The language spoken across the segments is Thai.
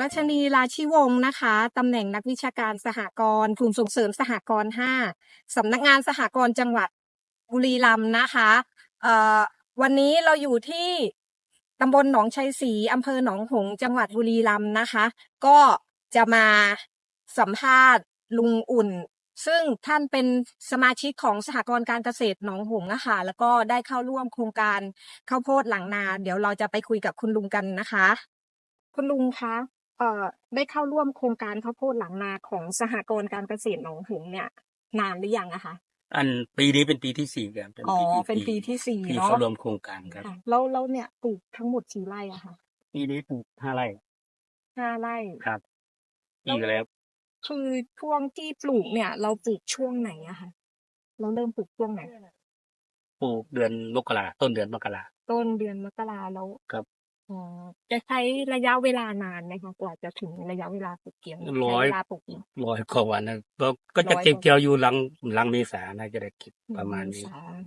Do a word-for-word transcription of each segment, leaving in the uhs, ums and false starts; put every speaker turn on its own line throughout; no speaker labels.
ชนี ราชิวงศ์นะคะ ตำแหน่งนักวิชาการสหกรณ์กลุ่มส่งเสริมสหกรณ์ห้าสำนักงานสหกรณ์จังหวัดบุรีรัมย์นะคะเอ่อวันนี้เราอยู่ที่ตำบลหนองชัยศรีอำเภอหนองหงส์จังหวัดบุรีรัมย์นะคะ ก็จะมาสัมภาษณ์ลุงอุ่น ซึ่งท่านเป็นสมาชิกของสหกรณ์การเกษตรหนองหงส์นะคะแล้วก็ได้เข้าร่วมโครงการข้าวโพดหลังนา เดี๋ยวเราจะไปคุยกับคุณลุงกันนะคะ คุณลุงคะเอ่อได้เข้าร่วมโครงการข้าวโพดหลังนาของสหกรณ์การเกษตรหนองหงส์เนี่ยนานหรือยังอะคะ
อันปีนี้เป็นปีที่สี่ครับ
อ๋อเป็นปีที่สี่
ที่
เนาะ
เข้าร่วมโครงการครับ
แล้วแล้วเนี่ยปลูกทั้งหมดกี่ไร่อะคะ
ปีนี้ปลูกห้าไร่
ห้าไร่
ครับปีก็แล้ว
คือช่วงที่ปลูกเนี่ย เราปลูกช่วงไหนอะคะเราเริ่มปลูกช่วงไหน
ปลูกเดือนมกราต้นเดือนมกรา
ต้นเดือนมกราแล้ว
ครับ
อ๋อจะใช้ระยะเวลานานไหมคะกว่าจะถึงระยะเวลาปลูกเกี่ยว
ร้อย
เวลาปลูก
ร้อยกว่าวันนะก็ก็จะเก็บเกี่ยวอยู่หลังหลังเมษานะจะได้เก็บประมาณนี้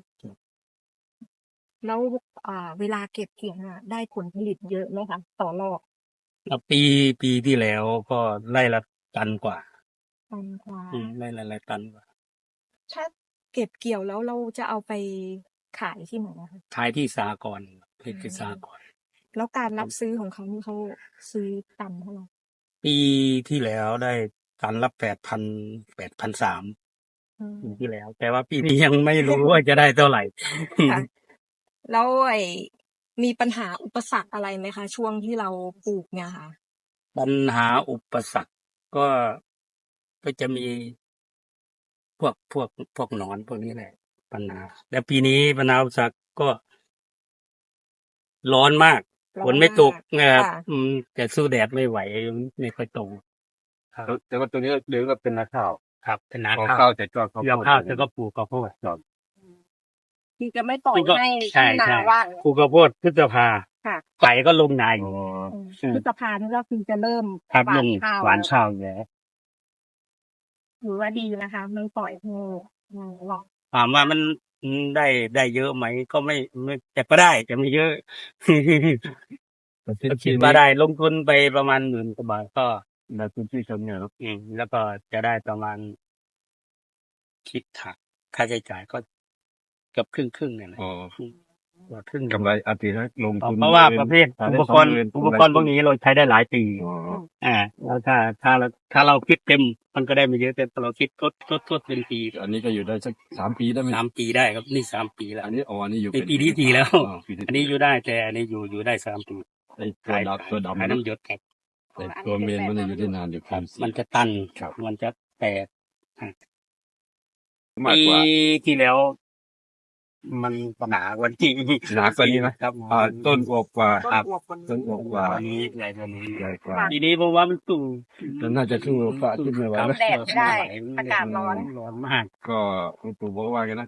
แล้วอ่าเวลาเก็บเกี่ยวน่ะได้ผลผลิตเยอะไหมคะต่อรอบ
ปีปีที่แล้วก็ไร่ละตันกว่า
ตันกว่า
ไร่ละไร่ตันกว่า
ถ้าเก็บเกี่ยวแล้วเราจะเอาไปขายที่ไหนนะคะ
ขายที่สหกรณ์ที่สหกรณ์
แล้วการรับซื้อของเขานี่เขาซื้อตันเท่าไหร่
ปีที่แล้วได้ตันละแปดพันแปดพันสามปีที่แล้ว แต่ว่าปีนี้ยังไม่รู้ว่าจะได้เท่าไหร่
แล้วไอ้มีปัญหาอุปสรรคอะไรไหมคะช่วงที่เราปลูกเนี่ยค่ะ
ปัญหาอุปสรรคก็ก็จะมีพวกพวกพวกหนอนพวกนี้แหละปัญหาแต่ปีนี้ปัญหาอุปสรรคก็ร้อนมากฝนไม่ตกนะครับแต่สู้แดดไม่ไหวไม่ค่อยตก
แต่ว่าตัวนี้เดี๋ยวก็เป็นนาข้าว
ครับเป็นนา
ข้าวแต่ก็
ข้าวข้าวแต่ก็ปลูกข้าวโพด
ที่จะไม่ปล่อยให้นาว่าง
ปลูกข้าวโพดพฤษภาไก่ก็ลงนาอยู่
พฤษภานี่ก็คือจะเริ่ม
หวานข้าวหวานข้าวแล้ว
ถือว่าดีนะคะไม่ปล่อยให้หรอก
ถามว่ามันได้ได้เยอะไหมก็ไม่ไม่แต่ก็ได้แต่ไม่เยอะคิดว่าได้ลงทุนไปประมาณหมื่นกว่าบาทก็
ในพื้นที่ชนเนี่ย
อืมแล้วก็จะได้ประมาณคิดถักค่าใช้จ่ายก็เกือบครึ่งครึ่งเนี่ยนะ
อ๋อ
ครึ่ง
กำไรอาทิตย์ละลงทุน
เพราะว่าประเภทอุปกรณ์อุปกรณ์พวกนี้เราใช้ได้หลายปีอ่าแล้วถ้าถ้าเราถ้าเราคิดเต็มมันก็ได้ไม่เยอะแต่เราคิดทดทดทดเป็นปี
อันนี้ก็อยู่ได้สักสามปีได้ไหม
สามปีได้ครับนี่สามปีแล้ว
อันนี้อ๋ออันนี้อยู่
เป็นปีที่สี่แล้วอันนี้อยู่ได้แต่อันนี้อยู่อยู่ได้สามปี
ไอ้ตัวดำตัวดำ
น้ำหยดครับ
แต่ตัวเมนมันอยู่ได้นานอยู่ครับ
มันจะตันมันจะแตกปีที่แล้วมันหนากว่านี้
หนากว่านี้ไหม
ครับ
ต้นอวบกว่า
ต้นอวบกว่า
นี้
ใหญ่กว่านี้ใหญ่กว่าทีนี้ผมว่ามันสูง
มันน่าจะสู้ฟ้าขึ้นไม่ไหว
แดดได้อากาศร้อน
ร้อนมาก
ก็ปู่บอกว่ากันนะ